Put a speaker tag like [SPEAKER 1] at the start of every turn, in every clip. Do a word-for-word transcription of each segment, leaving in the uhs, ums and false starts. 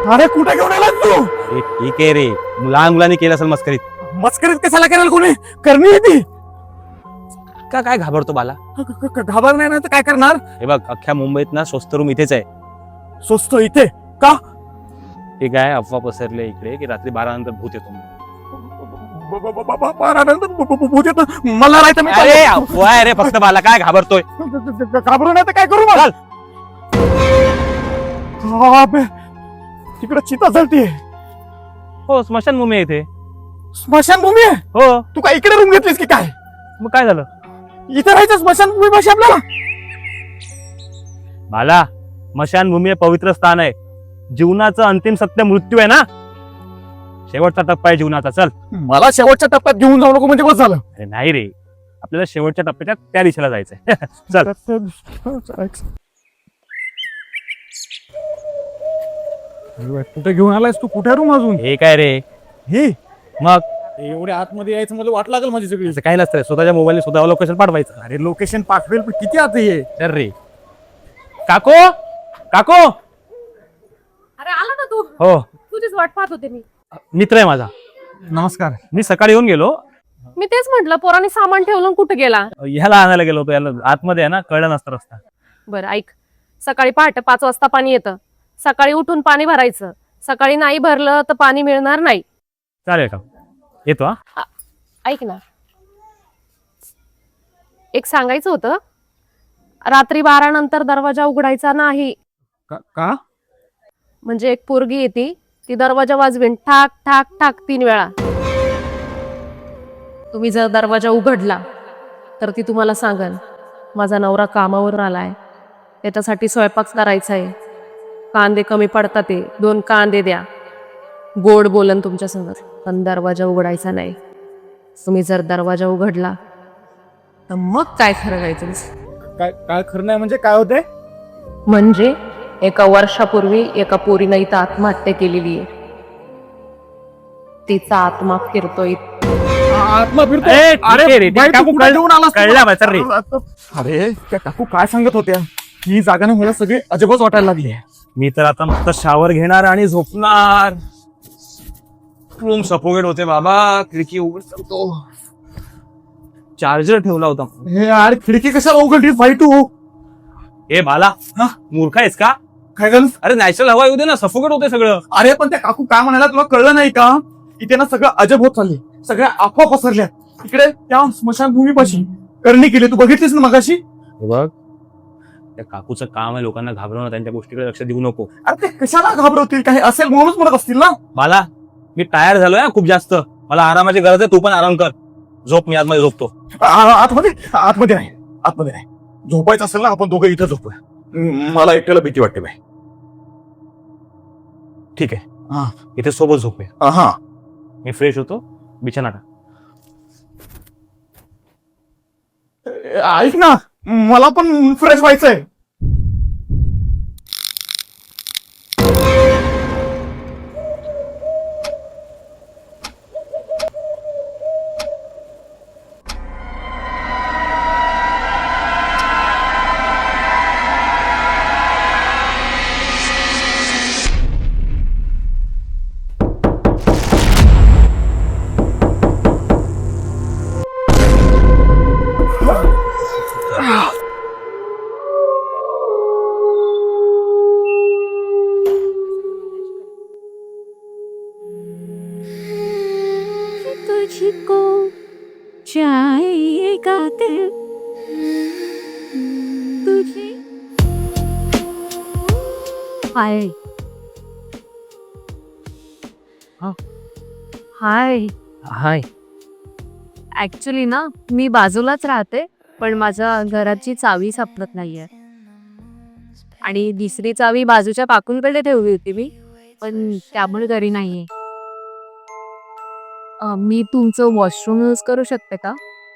[SPEAKER 1] अरे कुठे घेऊन आला तू?
[SPEAKER 2] ए, ठीक आहे रे, लहान मुलांनी केलं असेल मस्करीत.
[SPEAKER 1] मस्करीत कशाला करायला कोणी करणी आहे ती.
[SPEAKER 2] का काय घाबरतो बाला?
[SPEAKER 1] घाबर नाही ना तर काय करणार?
[SPEAKER 2] हे बघ, अख्ख्या मुंबईत ना स्वस्त रूम इथेच आहे.
[SPEAKER 1] स्वस्त इथे
[SPEAKER 2] ठीक आहे, अफवा पसरले इकडे की रात्री बारा नंतर भूत येतो.
[SPEAKER 1] भूत येतं. मला राहायचं मी
[SPEAKER 2] अरे अफवा आहे रे फक्त, बाला काय घाबरतोय?
[SPEAKER 1] घाबरू नाही तर काय करू मला? तिकडे चिता जळतीये.
[SPEAKER 2] हो, स्मशानभूमी आहे इथे.
[SPEAKER 1] स्मशानभूमी आहे?
[SPEAKER 2] हो.
[SPEAKER 1] तू काय इकडे रूम घेतलीस की काय?
[SPEAKER 2] मग काय झालं?
[SPEAKER 1] इथे राहायचं स्मशानभूमी पाशी आपल्याला?
[SPEAKER 2] बाला, स्मशानभूमी हे पवित्र स्थान आहे. जीवनाचं अंतिम सत्य मृत्यू आहे ना. शेवटचा टप्पा आहे जीवनाचा. चल.
[SPEAKER 1] मला शेवटच्या टप्प्यात घेऊन जाऊ नको म्हणजे बस झालं.
[SPEAKER 2] अरे नाही रे, आपल्याला शेवटच्या टप्प्याच्या त्या दिशेला जायचंय. चल.
[SPEAKER 1] कुठे घेऊन आलायस तू? कुठे रूम अजून?
[SPEAKER 2] हे काय रे?
[SPEAKER 1] हे
[SPEAKER 2] मग
[SPEAKER 1] एवढ्या आतमध्ये यायचं मला वाट लागेल माझी सगळी.
[SPEAKER 2] काही नसतं, स्वतःच्या मोबाईलने स्वतः लोकेशन पाठवायचं.
[SPEAKER 1] अरे लोकेशन पाठवेल पण किती आत ये?
[SPEAKER 2] तर रे काको, काको.
[SPEAKER 3] अरे आला ना तू.
[SPEAKER 2] हो,
[SPEAKER 3] तुझीच वाट पाहत होते मी.
[SPEAKER 2] मित्र आहे माझा.
[SPEAKER 1] नमस्कार.
[SPEAKER 2] मी सकाळी येऊन गेलो.
[SPEAKER 3] मी तेच म्हटलं पोरांनी सामान ठेवलं कुठे गेला.
[SPEAKER 2] ह्याला आणायला गेलो होतो. याला आतमध्ये आहे ना, कळलं नसतं रस्ता.
[SPEAKER 3] बरं ऐक, सकाळी पहाटे पाच वाजता पाणी येतं. सकाळी उठून पाणी भरायचं. सकाळी नाही भरलं तर पाणी मिळणार नाही.
[SPEAKER 2] चालेल का? येतो हा.
[SPEAKER 3] ऐक ना, एक सांगायचं होतं. रात्री बारा नंतर दरवाजा उघडायचा नाही.
[SPEAKER 1] का?
[SPEAKER 3] म्हणजे एक पोरगी येते, ती दरवाजा वाजवेन ठाक ठाक ठाक तीन वेळा. तुम्ही जर दरवाजा उघडला तर ती तुम्हाला सांगन, माझा नवरा कामावर आलाय, त्याच्यासाठी स्वयंपाक करायचा आहे, कांदे कमी पडतात ते दोन कांदे द्या. गोड बोलन तुमच्या संग, पण दरवाजा उघडायचा नाही. तुम्ही जर दरवाजा उघडला तर मग काय खरं काय तुमचं?
[SPEAKER 1] काय काय खरं नाही म्हणजे काय होतंय?
[SPEAKER 3] म्हणजे एका वर्षापूर्वी एका पोरीनं इथं आत्महत्या केलेली आहे. तिचा आत्मा फिरतोय.
[SPEAKER 1] आत्मा फिरतो.
[SPEAKER 2] ए, ठीक आहे रे,
[SPEAKER 1] बाई, तू
[SPEAKER 2] काकू
[SPEAKER 1] कुठे
[SPEAKER 2] कळ-
[SPEAKER 1] घेऊन आलास?
[SPEAKER 2] कळलं बा, चल रे.
[SPEAKER 1] अरे त्या काकू काय सांगत होत्या? ही जागा ना मला सगळी अजबच वाटायला लागली.
[SPEAKER 2] मी तर आता मस्त शावर घेणार आणि झोपणार. रूम सफोकेट होते बाबा. खिडकी उघडतो. चार्जर ठेवला होता.
[SPEAKER 1] हे यार खिडकी कशाला उघडलीस भाई तू?
[SPEAKER 2] ए बाला,
[SPEAKER 1] हा?
[SPEAKER 2] मूर्ख आहेस का?
[SPEAKER 1] काय झालं?
[SPEAKER 2] अरे नॅचरल हवा येऊ दे ना, सफोकेट होते सगळं.
[SPEAKER 1] अरे पण त्या काकू काय म्हणाला तुला कळलं नाही का? इथे ना सगळं अजब होत चालले. सगळ्या अफवा पसरल्या. इकडे त्या स्मशानभूमीपाशी करणी केली. तू बघितलीस ना मगाशी?
[SPEAKER 2] बघ, त्या काकूचं काम आहे लोकांना घाबरवणं, त्यांच्या गोष्टीकडे लक्ष देऊ नको.
[SPEAKER 1] अरे ते कशाला घाबरवतील? काही असेल म्हणूनच म्हणत असतील ना.
[SPEAKER 2] बाला, मी टायर झालोय खूप जास्त. मला आरामाची गरज आहे. तू पण आराम कर. झोप, मी आतमध्ये झोपतो.
[SPEAKER 1] आ- आतमध्ये आतमध्ये नाही आतमध्ये नाही झोपायचं असेल ना आपण दोघं इथं झोपूया. म- मला एकट्याला भीती वाटते बाई.
[SPEAKER 2] ठीक आहे,
[SPEAKER 1] हा
[SPEAKER 2] इथे सोबत झोपूया.
[SPEAKER 1] हा
[SPEAKER 2] मी फ्रेश होतो. बिछाना टाक.
[SPEAKER 1] ऐक ना, मला पण फ्रेश व्हायचंय.
[SPEAKER 4] तुझको जाएगा दिल तुझे. हाय हाय
[SPEAKER 2] हाय.
[SPEAKER 4] ऍक्च्युली ना मी बाजूलाच राहते, पण माझ्या घराची चावी सापडत नाहीये. आणि दुसरी चावी बाजूच्या काकूंकडे ठेवली होती मी, पण त्यामुळे घरी नाहीये. अ, मी तुमचं वॉशरूम यूज करू शकते का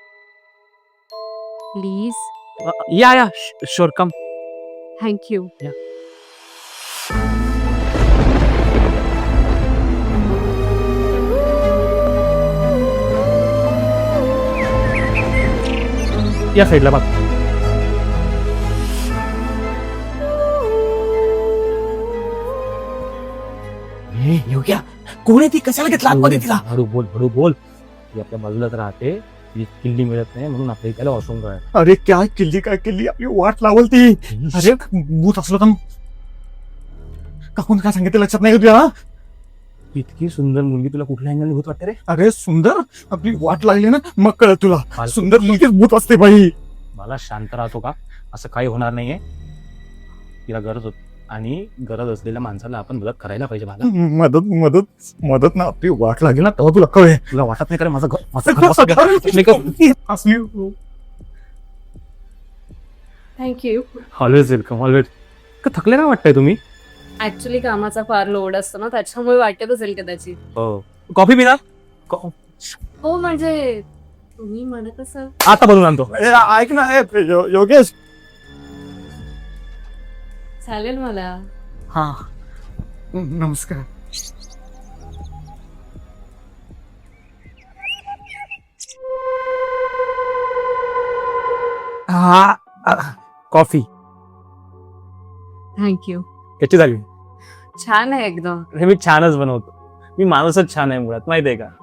[SPEAKER 4] प्लीज?
[SPEAKER 2] या या शुअर, कम.
[SPEAKER 4] थँक्यू.
[SPEAKER 2] या साईडला बघ.
[SPEAKER 1] योग्या कोण आहे ती, कशाला घेतला आतमध्ये तिला?
[SPEAKER 2] हळू बोल हळू बोल. ती आपल्या बाजूलाच राहते, ती किल्ली मिळत नाही म्हणून आपल्या त्याला वॉशरूम करायला.
[SPEAKER 1] अरे काय किल्ली काय किल्ली, आपली वाट लावल ती. अरे भूत असलं तर काकून काय सांगितलं लक्षात नाही तुझ्या?
[SPEAKER 2] इतकी सुंदर मुलगी तुला कुठल्या अँगलने भूत वाटते रे?
[SPEAKER 1] अरे सुंदर, आपली वाट लागली ना मग कळत तुला.
[SPEAKER 2] फालतू.
[SPEAKER 1] सुंदर मुलगीच भूत असते बाई.
[SPEAKER 2] मला शांत राहतो का? असं काही होणार नाहीये. तिला गरज होती आणि गरज असलेल्या माणसाला आपण मदत करायला पाहिजे. मला
[SPEAKER 1] मदत मदत मदत ना, आपली वाट लागली ना तेव्हा तुला कळे.
[SPEAKER 2] तुला वाटत नाही का रे माझं घर माझं घर असं घर- नाही का?
[SPEAKER 1] असली
[SPEAKER 3] थँक्यू.
[SPEAKER 2] Always welcome always. का थकले नाही वाटतंय तुम्ही?
[SPEAKER 3] ऍक्च्युली कामाचा फार लोड असतो ना, त्याच्यामुळे वाटत असेल कदाचित.
[SPEAKER 2] हो. कॉफी पिणार? कॉ-
[SPEAKER 3] हो म्हणजे तुम्ही म्हणत असाल.
[SPEAKER 2] आता बनवून आणतो.
[SPEAKER 1] ए, ऐक ना ए, यो- योगेश.
[SPEAKER 3] चालेल मला.
[SPEAKER 1] हा नमस्कार.
[SPEAKER 2] हा कॉफी
[SPEAKER 3] थँक्यू.
[SPEAKER 2] याची झाली.
[SPEAKER 3] छान आहे एकदम.
[SPEAKER 2] हे मी छानच बनवतो. मी माणूसच छान आहे मुळात, माहितीये का?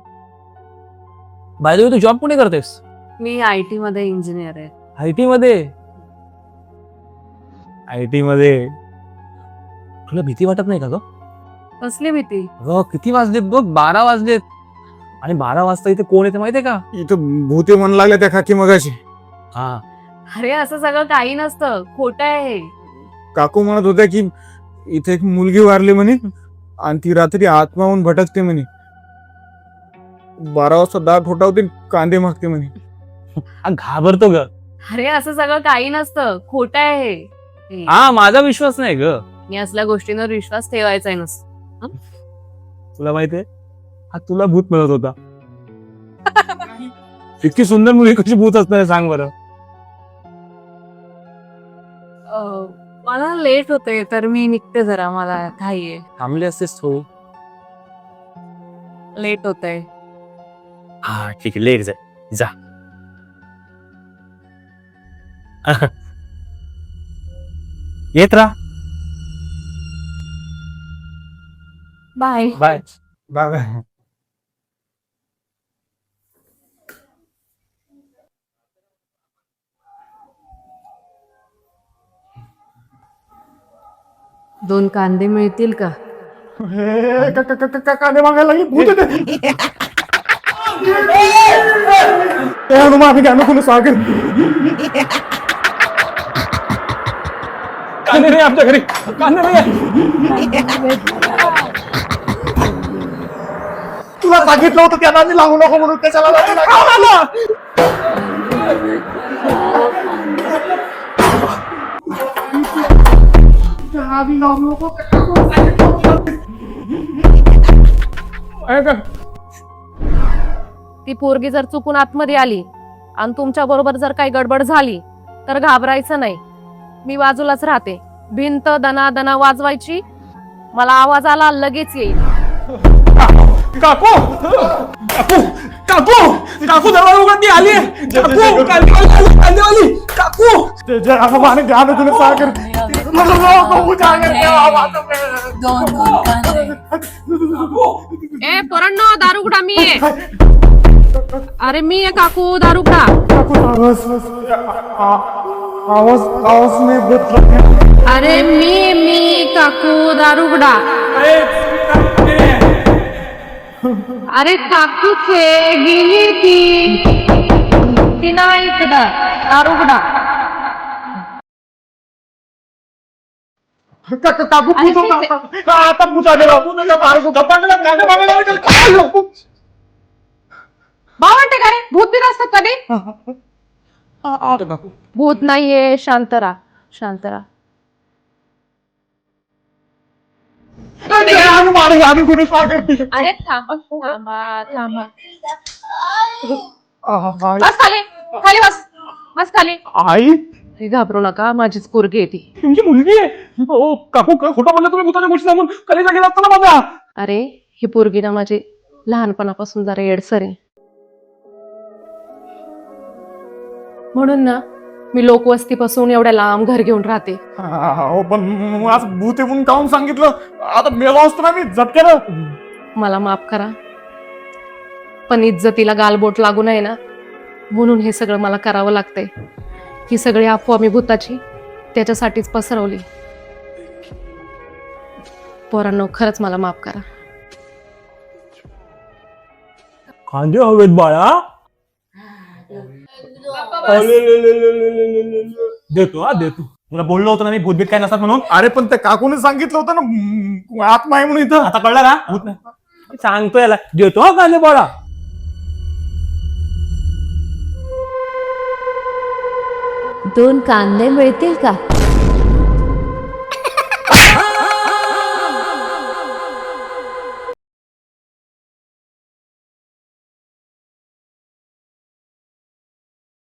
[SPEAKER 2] बाय द वे, तू जॉब कुठे करतेस?
[SPEAKER 3] मी आय टी मध्ये इंजिनियर आहे.
[SPEAKER 2] आय टी मध्ये? आय टी मध्ये तुला भीती वाटत नाही का ग?
[SPEAKER 3] कसली भीती?
[SPEAKER 2] अगं किती वाजलेत बघ, बारा वाजलेत. आणि बारा वाजता इथे कोण येते माहितीये का?
[SPEAKER 1] इथं भूते म्हणू लागल्या त्या काकी मगाशी.
[SPEAKER 2] हा.
[SPEAKER 3] अरे असं सगळं काही नसतं, खोटं आहे हे.
[SPEAKER 1] काकू म्हणत होत्या की इथे एक मुलगी वारली म्हणे आणि ती रात्री आत्मा होऊन भटकते म्हणे. बारा वाजता दार ठोठावते, कांदे मागते म्हणे.
[SPEAKER 2] हा, घाबरतो ग.
[SPEAKER 3] अरे असं सगळं काही नसतं, खोटं आहे हे.
[SPEAKER 2] हा, माझा विश्वास नाही ग.
[SPEAKER 3] मी असल्या गोष्टींवर विश्वास ठेवायचा नसतो.
[SPEAKER 2] तुला माहितीये, हा तुला भूत मिळत होता. इतकी सुंदर मुलगी कशी भूत असणार सांग बरं?
[SPEAKER 3] अं, मला लेट होते तर मी निघते, जरा मला घाई आहे.
[SPEAKER 2] थांबली असतेस थोडी.
[SPEAKER 3] लेट होतंय.
[SPEAKER 2] हा ठीक आहे, लेट जाय जा. येत राहा.
[SPEAKER 3] बाय.
[SPEAKER 2] बाय.
[SPEAKER 1] बाबा
[SPEAKER 3] दोन कांदे मिळतील का?
[SPEAKER 1] हे, का- का- का- का- कांदे मागायला लागली, भूत येते. ए, हनुमान, आम्ही गाणं कोणी सागर.
[SPEAKER 2] कांदे नाही आमच्या घरी, कांदे नाही.
[SPEAKER 1] तुला सांगितलं होतं त्यांना मी लागू नको म्हणून, कशाला लागू लागला? आम्ही लागू नको.
[SPEAKER 3] ती पोरगी जर चुकून आतमध्ये आली आणि तुमच्या बरोबर जर काही गडबड झाली तर घाबरायचं नाही. मी बाजूलाच राहते. भिंत दना दना वाजवायची, मला आवाज आला लगेच येईल.
[SPEAKER 1] काकू काकू काकू काकू दरवाजा उघड, ती आली. काकू कांदेवाली, कांदेवाली काकू. त्याच्या आम्हाला गाणं तुला सागर.
[SPEAKER 3] ए पोरांनो, दारू उघडा. मी आहे. अरे मी आहे काकू, दारू उघडा.
[SPEAKER 1] आवाज आवाज आवाज नाही बदला.
[SPEAKER 3] अरे मी मी काकू, दारू उघडा. अरे काकूच आहे, गेली ती. ती नाही इकडं, दारू उघडा.
[SPEAKER 1] काकू पूजा आता पूजा आलेला.
[SPEAKER 3] बावंटे का रे? भूत बित असतात कधी? भूत नाहीये, शांत राहा, शांत राहा.
[SPEAKER 1] आम्ही कुठे सागर.
[SPEAKER 3] अरे थांबा थांबा थांबा.
[SPEAKER 1] आई
[SPEAKER 3] बस खाली, खाली बस, बस खाली.
[SPEAKER 1] आई
[SPEAKER 3] अरे घाबरू नका, माझीच पोरगी आहे ती.
[SPEAKER 1] तुमची मुलगी आहे? ओ काकू, खोटं बोलला तुम्ही भूताच्या गोष्टी सांगून. कलेजा गेला असता ना माझा.
[SPEAKER 3] अरे ही पोरगी ना माझी लहानपणापासून जरा येडसर आहे, म्हणून ना मी लोकवस्तीपासून एवढ्या लांब घर घेऊन राहते.
[SPEAKER 1] हो पण आज भूते म्हणून काहून सांगितलं? आता मेलो असतो ना मी झटक्यानं.
[SPEAKER 3] मला माफ करा, पण इज्जतीला गालबोट लागू नये ना, म्हणून हे सगळं मला करावं लागतंय. ही सगळी अफवा मी भूताची त्याच्यासाठीच पसरवली. पोरांनो, खरंच मला माफ करा.
[SPEAKER 2] कांदे हवेत बाळा. देतो हा देतो. तुला बोललो होतो ना मी भूतभीत काय नसतात म्हणून.
[SPEAKER 1] अरे पण त्या काकूने सांगितलं होतं ना आत्मा आहे म्हणून इथं.
[SPEAKER 2] आता कळलं ना भूत नाही सांगतो याला. देतो हा कांदे बाळा.
[SPEAKER 5] दोन कांदे मिळतील का?